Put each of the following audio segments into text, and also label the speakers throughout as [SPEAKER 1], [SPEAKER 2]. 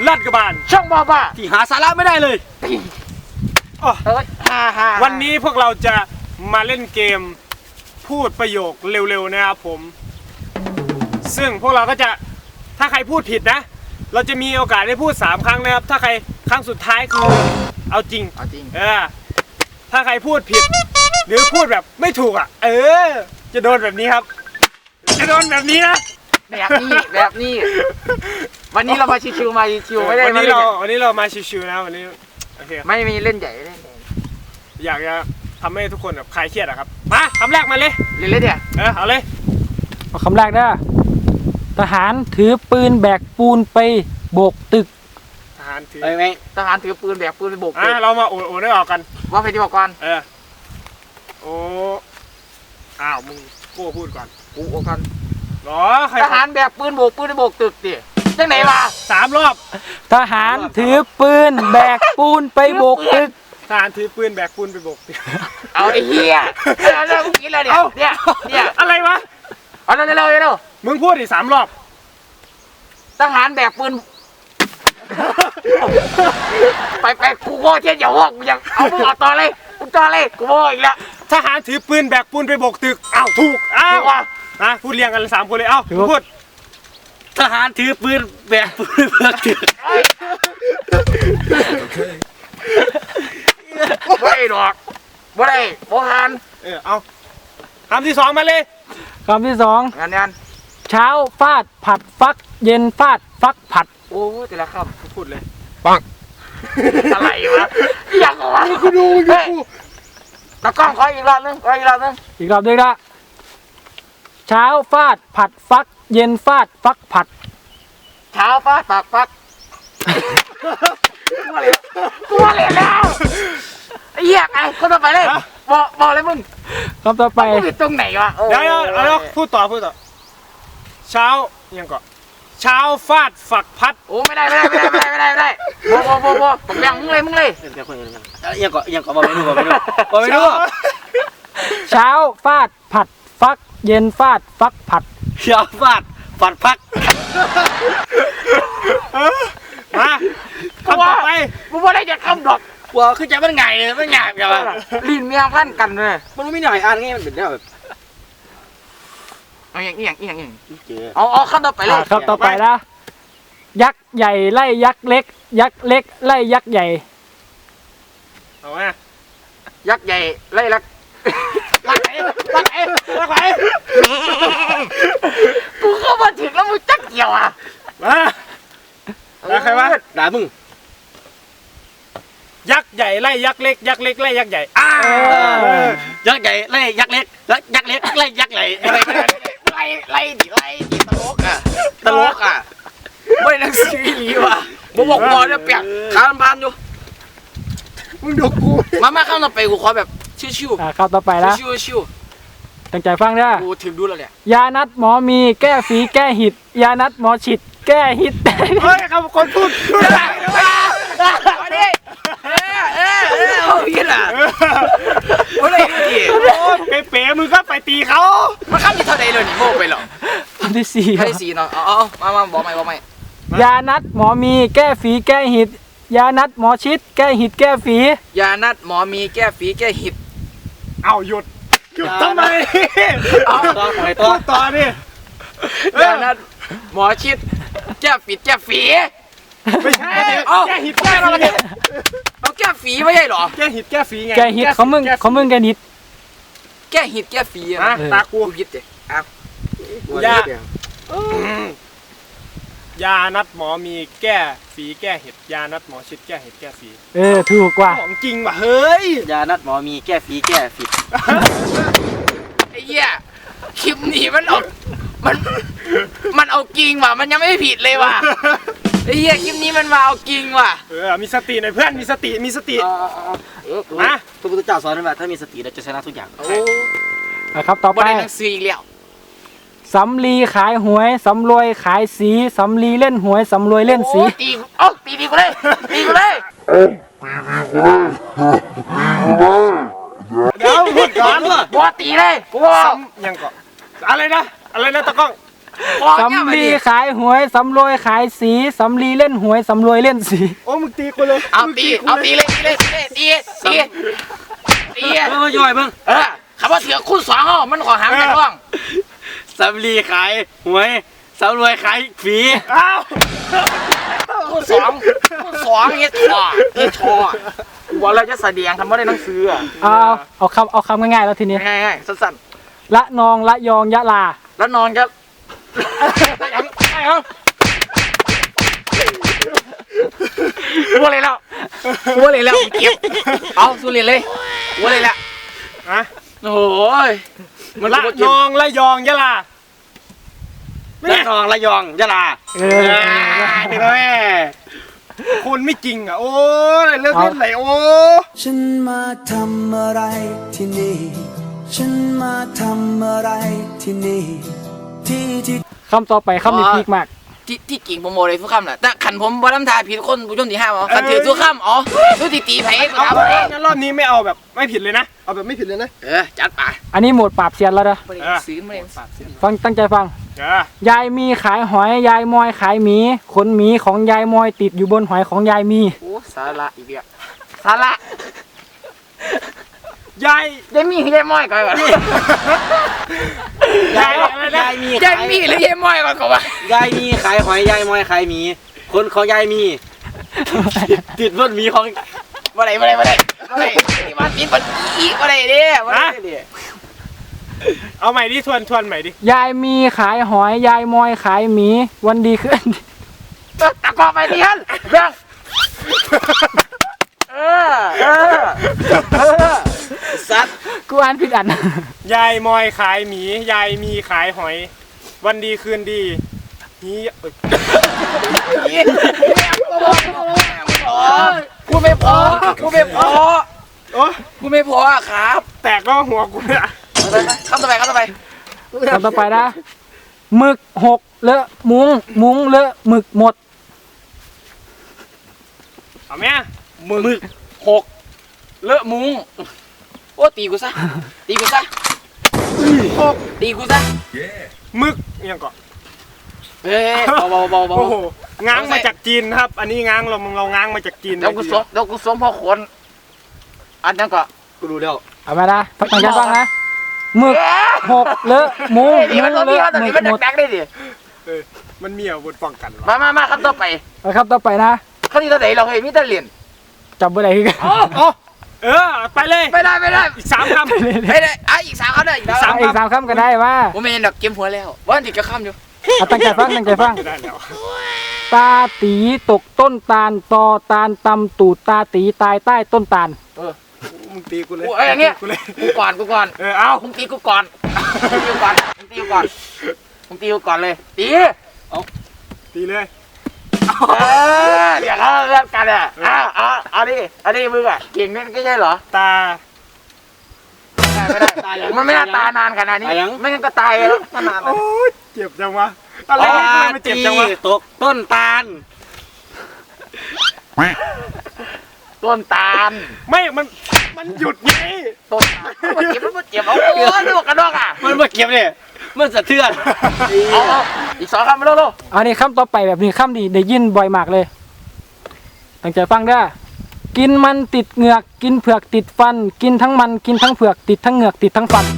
[SPEAKER 1] ลาดกระบาล
[SPEAKER 2] ช่องบ้า
[SPEAKER 1] ที่หาสาระไม่ได้เลยวันนี้พวกเราจะมาเล่นเกมพูดประโยคเร็วๆนะครับผมซึ่งพวกเราก็จะถ้าใครพูดผิดนะเราจะมีโอกาสได้พูด3ครั้งนะครับถ้าใครครั้งสุดท้ายคือเอาจริงถ้าใครพูดผิดหรือพูดแบบไม่ถูกอ่ะจะโดนแบบนี้ครับจะโดนแบบนี้นะ
[SPEAKER 2] แบบนี้วันนี้เรามาชิวๆมาชิวไม่ได้
[SPEAKER 1] วันนี้เรามาชิวๆนะวันนี้โอเค
[SPEAKER 2] ไม่มีเล่นใหญ่
[SPEAKER 1] อยากจะทำให้ทุกคนแบบคลายเครียดอะครับมาคำแรกมาเลย
[SPEAKER 2] เดี๋ยว
[SPEAKER 1] เอาเลย
[SPEAKER 3] เอาคำแรกนะทหารถือปืนแบกปูนไปโบกตึก
[SPEAKER 1] ทหารถือ
[SPEAKER 2] ทหารถือปืนแบกปืนไปโบกตึก
[SPEAKER 1] เรามาโอ้ได้ออกกัน
[SPEAKER 2] ว่าไปที่บอกก่อน
[SPEAKER 1] โอ้อ้าวมึงกูพูดก่อน
[SPEAKER 2] กูโอกัน
[SPEAKER 1] หรอ
[SPEAKER 2] ทหารแบกปืนโบกปืนไปโบกตึกดิจังไหนวะ
[SPEAKER 1] 3 รอบ
[SPEAKER 3] ทหารถือปืนแบกปูนไปโบกตึก
[SPEAKER 1] ทหารถือปืนแบกปูนไปโบกตึก
[SPEAKER 2] เอาไอ้เหี้ยเรื่องกินเลยเนี่ย
[SPEAKER 1] อะไรวะ
[SPEAKER 2] เอาเร็ว
[SPEAKER 1] มึงพูดอีก3 รอบ
[SPEAKER 2] ทหารแบกปืนไปกูโง่เช่นอย่าว่ากูยังเอามึงต่อเลยกูโง่อีกแล้ว
[SPEAKER 1] ทหารถือปืนแบกปูนไปโบกตึกถูกพูดเรียงกัน3 คนเลยพูด
[SPEAKER 2] ทหารถือปืนแบกปืนไปโบกตึกไม่หรอกไม่ได้โบราณ
[SPEAKER 1] เอาคำที่2มาเลย
[SPEAKER 3] คำที่2
[SPEAKER 2] งาน
[SPEAKER 3] เช้าฟาดผัดฟักเย็นฟาดฟักผัด
[SPEAKER 2] โอ้แต่ละคำ
[SPEAKER 1] พูดเลย
[SPEAKER 3] ปัง
[SPEAKER 2] อะไรวะอยากวะ
[SPEAKER 1] กูดู
[SPEAKER 2] ตะกล้องขออีกรอบนึง
[SPEAKER 3] ละเช้าฟาดผัดฟักเย็นฟาดฟักผัด
[SPEAKER 2] เช้าฟาดฟักกูมาเรียนแล้วไอ้เหี้ยไอ้คนต่อไปเลยบอกเลยมึง
[SPEAKER 3] คำต่อไป
[SPEAKER 2] ผิดตรงไหนวะ
[SPEAKER 1] เดี๋ยวพูดต่อเช้ายังก่อนเช้าฟาดฝักพัด
[SPEAKER 2] โอ้ไม่ได้บอกอย่างมึงเลย
[SPEAKER 1] ยังก่อนบอกไม่รู้
[SPEAKER 3] เช้าฟาดผัดฟักเย็นฟาดฟักผัด
[SPEAKER 1] เช้าฟาดฝัดพักมาคำต่อไป
[SPEAKER 2] กูไม่ได้จะคำดอก
[SPEAKER 1] กลัวขึ้นใจมันไงมันหยาบอย่าง
[SPEAKER 2] ลิ้นเมียพันกันเลย
[SPEAKER 1] มันไม่หน่อยอ่านง่ายมันเป็นแบบ
[SPEAKER 2] เอาอย่างเอาคำต่อไปเลย
[SPEAKER 3] คำต่อไปนะยักษ์ใหญ่ไล่ยักษ์เล็กยักษ์เล็กไล่ยักษ์ใหญ่
[SPEAKER 1] เอาไหม
[SPEAKER 2] ยักษ์ใหญ่ไล่ลักไหนกูเข้ามาถึงแล้วมึงจักเกี่ยว
[SPEAKER 1] มาใครวะด่ามึงยักษ์ใหญ่ไล่ยักษ์เล็กยักษ์เล็กไล่ยักษ์ใหญ่ยักษ์ใหญ่ไล่ยักษ์เล็กยักษ์เล็กไล่ยักษ์ใหญ่
[SPEAKER 2] ไล่ดิตลกไม่นักซีว่ะบอกบอลเนี่ยเปียกขาพันอยู่
[SPEAKER 1] มึงดูกู
[SPEAKER 2] มาข้ามต่อไปกูขอแบบชิว
[SPEAKER 3] ๆข้ามต่อไปแล้ว
[SPEAKER 2] ชิว
[SPEAKER 3] ตั้งใจฟังนะ
[SPEAKER 2] กูถึงดูแล้วเนี่ย
[SPEAKER 3] ยานัดหมอมีแก้ฝีแก้หิดยานัดหมอฉิดแก้หิด
[SPEAKER 1] เฮ้ยคำคนพูด
[SPEAKER 2] อะไรเอาพี่ล่ะโอ้ย
[SPEAKER 1] ดิเป๋มึงก็ไปตีเขา
[SPEAKER 2] มาข้ามที่เท่าใดเลยนี่โม่ไปหรอ
[SPEAKER 3] คำที่
[SPEAKER 2] 4เนาะมาบอกใหม่
[SPEAKER 3] ยานัดหมอมีแก้ฝีแก้หิดยานัดหมอชิดแก้หิดแก้ฝี
[SPEAKER 2] ยานัดหมอมีแก้ฝีแก้หิด
[SPEAKER 1] หยุดทำไมต่อดิ
[SPEAKER 2] ยานัดหมอชิดแก้ฝี
[SPEAKER 1] ไม่ใช่แก้หิดแก้
[SPEAKER 2] อะไรเอาแก้ฝีไม่ใช่หรอ
[SPEAKER 1] แก้หิดแก้ฝีไง
[SPEAKER 3] แก้หิดเขามึงแก้หิด
[SPEAKER 2] แก้หิดแก้ฝี
[SPEAKER 1] ตากู
[SPEAKER 2] ยิดเด็
[SPEAKER 1] ยานัดหมอมีแก้ฝีแก้เห็ดยานัดหมอชิดแก้เห็ดแก้ฝี
[SPEAKER 3] ถูกกว่า
[SPEAKER 1] ของจริงว่ะเฮ้ย
[SPEAKER 2] ยานัดหมอมีแก้ฝีแก้ฝีไอ้เหี้ยคลิปนี้มันเอาจริงว่ะมันยังไม่ผิดเลยว่ะไอ้เหี้ยคลิปนี้มันมาเอาจริงว่ะ
[SPEAKER 1] มีสติหน่อยเพื่อนมีสติ
[SPEAKER 2] มาพระพุทธเจ้าสอนว่าถ้ามีสติเราจะชนะทุกอย่าง
[SPEAKER 3] ครับต่อไป
[SPEAKER 2] บ่ได้หนังสืออีกแล้ว
[SPEAKER 3] สำลีขายหวยสำรวยขายสีสำลีเล่นหวยสำรวยเล่นสี
[SPEAKER 2] ตีกูเลย
[SPEAKER 1] เดี๋ยวพูดก่อน
[SPEAKER 2] บัวตีเลย
[SPEAKER 1] ยังก่อนอะไรนะตะก้อง
[SPEAKER 3] สำลีขายหวยสำรวยขายสีสำลีเล่นหวยสำรวยเล่นสี
[SPEAKER 1] โอ้มึงตีกูเลย
[SPEAKER 2] เอาตีเลย
[SPEAKER 4] มาย่อยเบิ่ง
[SPEAKER 2] คำว่าเถื่อคู่2อ้อมันขอหามกันร่อง
[SPEAKER 4] สำลีขายหวยสำรวยขายฝี
[SPEAKER 1] อ้าว
[SPEAKER 2] คู่2เฮ็ดชอว่าเราจะแสดงทำว่าได้หนังสือ
[SPEAKER 3] เอาคำง่ายๆแล้วทีนี้
[SPEAKER 2] ง่ายๆสั้น
[SPEAKER 3] ละนองละยองยะลา
[SPEAKER 2] ๆแล้วนอนจะว่าเลยแล้วเก็บเอาสุเรียนเลยว่าเลยแล้ว
[SPEAKER 1] อะ
[SPEAKER 2] โอ้ยมัน
[SPEAKER 1] ละนองละยองยะลา
[SPEAKER 4] ระนองระยองยะลา
[SPEAKER 1] นี่แม่คนไม่จริงอ่ะโอ้ยเลิกเล่นไหนโอ้
[SPEAKER 5] ฉันมาทำอะไรที่นี่ ฉันมาทำอะไรที่นี่ ที่
[SPEAKER 3] คำต่อไปคำนี้พีคมาก
[SPEAKER 2] ที่กิ่งโปรโมเลยทุกคำแหละแต่ขันผมบอลำทายผิดคนผู้ชมที่5อ๋อขันถือทุกคำอ๋อทุกตีไผ่
[SPEAKER 1] เอางั้นรอบนี้ไม่เอาแบบไม่ผิดเลยนะเอาแบบไม่ผิดเลยนะ
[SPEAKER 2] จัดไป
[SPEAKER 3] อันนี้โหมดปราบเซียนแล้วนะ
[SPEAKER 2] ซื้อมาเลย
[SPEAKER 3] ฟังตั้งใจฟัง ยายมีขายหอยยายมอยขายหมีขนหมีของยายมอยติดอยู่บนหอยของยายมี
[SPEAKER 2] โอ้สาระอีกแล้วสาระ
[SPEAKER 1] ยาย
[SPEAKER 2] ยายมีหรือยายม้อยก่อน
[SPEAKER 1] ยายอะไรนะ
[SPEAKER 4] ยายมี
[SPEAKER 2] ยายมีหรือยายม้อยก่อนวะ
[SPEAKER 4] ยายมีขายหอยยายมอยขายหมีคนของยายมี ติดบนหมีของ
[SPEAKER 2] มาเลยที่มาติดมันอีกมาเลยเด้มาเลย
[SPEAKER 1] เอาใหม่ดิทวนใหม่ดิ
[SPEAKER 3] ยายมีขายหอยยายมอยขายหมีวันดีขึ้น
[SPEAKER 2] ตะกอไปดิฮันเรื่อง
[SPEAKER 4] สัตว์
[SPEAKER 3] กูอ่านผิดอัน
[SPEAKER 1] ยายมอยขายหมียายมีขายหอย วันดีคืนดีนี้
[SPEAKER 2] พูดไม่พอ
[SPEAKER 1] โอ้
[SPEAKER 2] พูดไม่พอครับ
[SPEAKER 1] แตกก็หัวกูเนี่ย
[SPEAKER 2] เข้าต่อไป
[SPEAKER 3] คำต่อไปนะหมึกหกเลอะมุ้งเลอะหมึกหมด
[SPEAKER 1] เอาไหม
[SPEAKER 2] มึก6เลอะมุ้งโอ้ตีกูซะตีกูซะ
[SPEAKER 1] มึกยังก่อน
[SPEAKER 2] เฮ้ยเบา
[SPEAKER 1] โอ้โหง้างมาจากจีนครับ อันนี้ง้างเราง้างมาจากจีน
[SPEAKER 2] เดี๋ยวกูสวมพ่อขนอันนั้นก็
[SPEAKER 4] กูรู้แล้ว
[SPEAKER 3] เอามานะตั้งใจฟังนะหมึกหกเลอะมุ้ง
[SPEAKER 2] นี่มันตัว
[SPEAKER 3] เล
[SPEAKER 2] นี้
[SPEAKER 3] อะ
[SPEAKER 2] ตัว
[SPEAKER 3] หมึ
[SPEAKER 2] นี้
[SPEAKER 3] ก
[SPEAKER 2] มัน
[SPEAKER 3] หมด
[SPEAKER 2] ดักได้ดิ
[SPEAKER 1] มันมีอาวุธป้องกันวะ
[SPEAKER 2] มาครับต่อไป
[SPEAKER 3] เอาครับต่อไปนะ
[SPEAKER 2] เขาที่ตัวไหนเราเฮ้ยมิตรเหรียญ
[SPEAKER 3] จับเบอร์ไหนกัน
[SPEAKER 1] ไปเลย
[SPEAKER 2] ไม่ได้
[SPEAKER 1] อีก3 คำ
[SPEAKER 2] ไม่ได้อีก3เขาได้อีกแล้ว
[SPEAKER 3] อีกสามคำก็ได้ว่า
[SPEAKER 2] ผมไม่เห็นดอกเกมหัวแล้วว่าติดกระข้ามอยู่
[SPEAKER 3] เอาตั้งใจฟัง
[SPEAKER 1] ได้แล้ว
[SPEAKER 3] ตาตีตกต้นตาลตอตาลตำตูดตาตีตายใต้ต้นตาล
[SPEAKER 1] มึงตีกูเลย
[SPEAKER 2] โอ้ยอย่างเงี้ย
[SPEAKER 1] กูเลย
[SPEAKER 2] กูก่อน
[SPEAKER 1] เอา
[SPEAKER 2] มึงตีกูก่อนเลยตี
[SPEAKER 1] ตีเลย
[SPEAKER 2] เดี๋ยวเขาเลิกกันอ่ะเอาดิมึงอ่ะเก่งนั่นก็ใช่เหรอ
[SPEAKER 1] ตา
[SPEAKER 2] ไม่ได้มันไม่น่าตายนานขนาดนี้ไม่งั้นก็ตายแล้วนาน
[SPEAKER 1] โอ้ยเจ็บจังวะอะไรเนี่ยมันเจ็บจังวะ
[SPEAKER 4] ตกต้นตาล
[SPEAKER 2] ต้นตาล
[SPEAKER 1] ไม่มันหยุดไง
[SPEAKER 2] ต้นมันเจ็บเอาโอ้ยลูกกระดอกอ่ะ
[SPEAKER 4] มันมาเก็บเนี่ยมันสะเทือน
[SPEAKER 2] เอาอีก2คำมาเร็ว
[SPEAKER 3] อันนี้คำต่อไปแบบนี้คำดีได้ยินบ่อยมากเลยตั้งใจฟังเด้อกินมันติดเหงือกกินเผือกติดฟัน กินทั้งมันกินทั้งเผือกติดทั้งเหงือกติดทั้งฟัน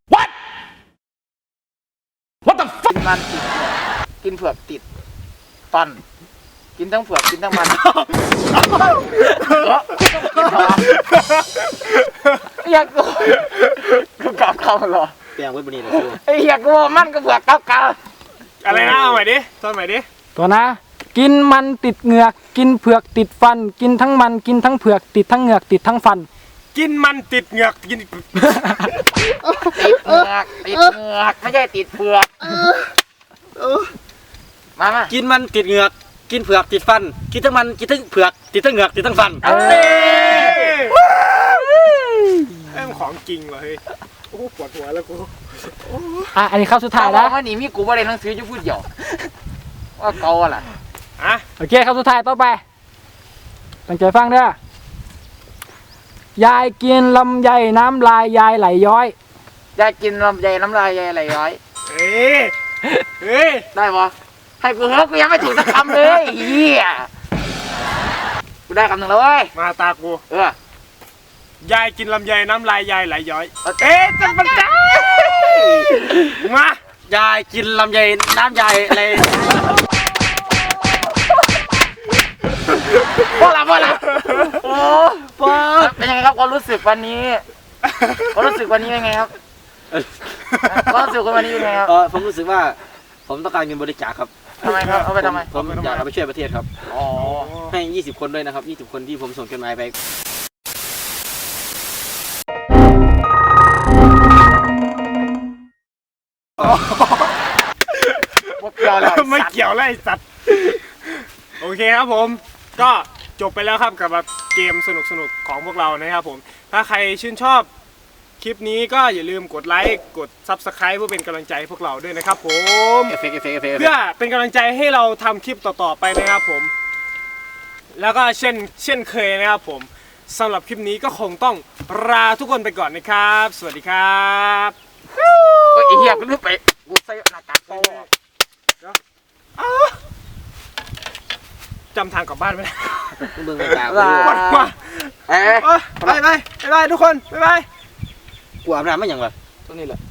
[SPEAKER 2] กินมันติดกินเผือกติดฟันกินทั้งเผือกกินทั้งมันอยากกูกลับเข้าหรอ
[SPEAKER 4] เปลี่ยนไว้บนนี้เลย
[SPEAKER 2] ไอ้เหี้ยกูมันก็เผือกเก่า
[SPEAKER 1] อะไรนะเอาใหม่ดิตอนใหม่ดิ
[SPEAKER 3] ตัวนะ กินมันติดเหงือกกินเผือกติดฟัน กินทั้งมันกินทั้งเผือกติดทั้งเหงือกติดทั้งฟัน
[SPEAKER 1] กินมันติดเหงือกกิน
[SPEAKER 2] ติดเหงือกไม่ใช่ติดเผือกมา
[SPEAKER 4] กินมันติดเหงือกกินเผือกติดฟันกินทั้งมันกินทั้งเผือกติดทั้งเหงือกติดทั้งฟัน
[SPEAKER 1] เอ้ยมันของจริงเหรอเฮ้ยโอ้ปวดหัวแล้วกู
[SPEAKER 3] อันนี้คำสุดท้าย
[SPEAKER 2] นะ
[SPEAKER 3] นะ
[SPEAKER 2] ว่านี่มีกูว่าเรียนหนังสือจะพูดเดียวว่าเก่าอะไร
[SPEAKER 1] อ่ะ
[SPEAKER 3] โอเคคำสุดท้ายต่อไปตั้งใจฟังเด้อยายกินลำไยน้ำลายยายไหลย้อย
[SPEAKER 2] ยายกินลำไยน้ำลายยายไหลย้อย
[SPEAKER 1] เอ้ยเฮ้ย
[SPEAKER 2] ได้ปะให้กูเฮ้ยกูยังไม่ถูกสักคำเลยเฮียกูได้คำหนึ่งแล้วเว้ย
[SPEAKER 1] มาตากู
[SPEAKER 2] ย
[SPEAKER 1] ายกินลำไยน้ำลายยายไหลย้อย
[SPEAKER 2] เอ๊ะจะมันได้
[SPEAKER 1] มา
[SPEAKER 4] ยายกินลำไยน้ำยายอะไร
[SPEAKER 2] พวกเราโอ้เป็นยังไงครับความรู้สึกวันนี้ความรู้สึกวันนี้เป็นไงครับความรู้สึกวันนี้เป็นไงครับ
[SPEAKER 4] ผมรู้สึกว่าผมต้องการเงินบริจาคครับ
[SPEAKER 2] ทำไมครับเอาไปทำไม
[SPEAKER 4] ผมอยากเอาไปช่วยประเทศครับ
[SPEAKER 2] อ๋อ
[SPEAKER 4] ให้20 คนด้วยนะครับ20 คนที่ผมส่งจดหมายไป
[SPEAKER 2] พวกเราแล้ว
[SPEAKER 1] ไม่เกี่ยวแล้วไอ้สัตว์โอเคครับผมก็จบไปแล้วครับกับเกมสนุกๆของพวกเรานะครับผมถ้าใครชื่นชอบคลิปนี้ก็อย่าลืมกดไลค์กด Subscribe เพื่อเป็นกำลังใจให้พวกเราด้วยนะครับผม
[SPEAKER 4] เอฟเฟกต์
[SPEAKER 1] เพื่อเป็นกำลังใจให้เราทำคลิปต่อๆไปนะครับผมแล้วก็เช่นเคยนะครับผมสำหรับคลิปนี้ก็คงต้องลาทุกคนไปก่อนนะครับ สวัสดีครับ
[SPEAKER 2] ไอ้เหี้ยกูนึกไปกูใส่หน้ากากโป้
[SPEAKER 1] จำทางกลับบ้านไม่ได้
[SPEAKER 4] มึงไม่ตาม
[SPEAKER 1] ปวดหัว
[SPEAKER 2] เอ๊ะ
[SPEAKER 1] ไปทุกคนบ๊ายบาย
[SPEAKER 4] กูอาบน้ำไม่ยังวะ
[SPEAKER 2] ตัวนี้แหละ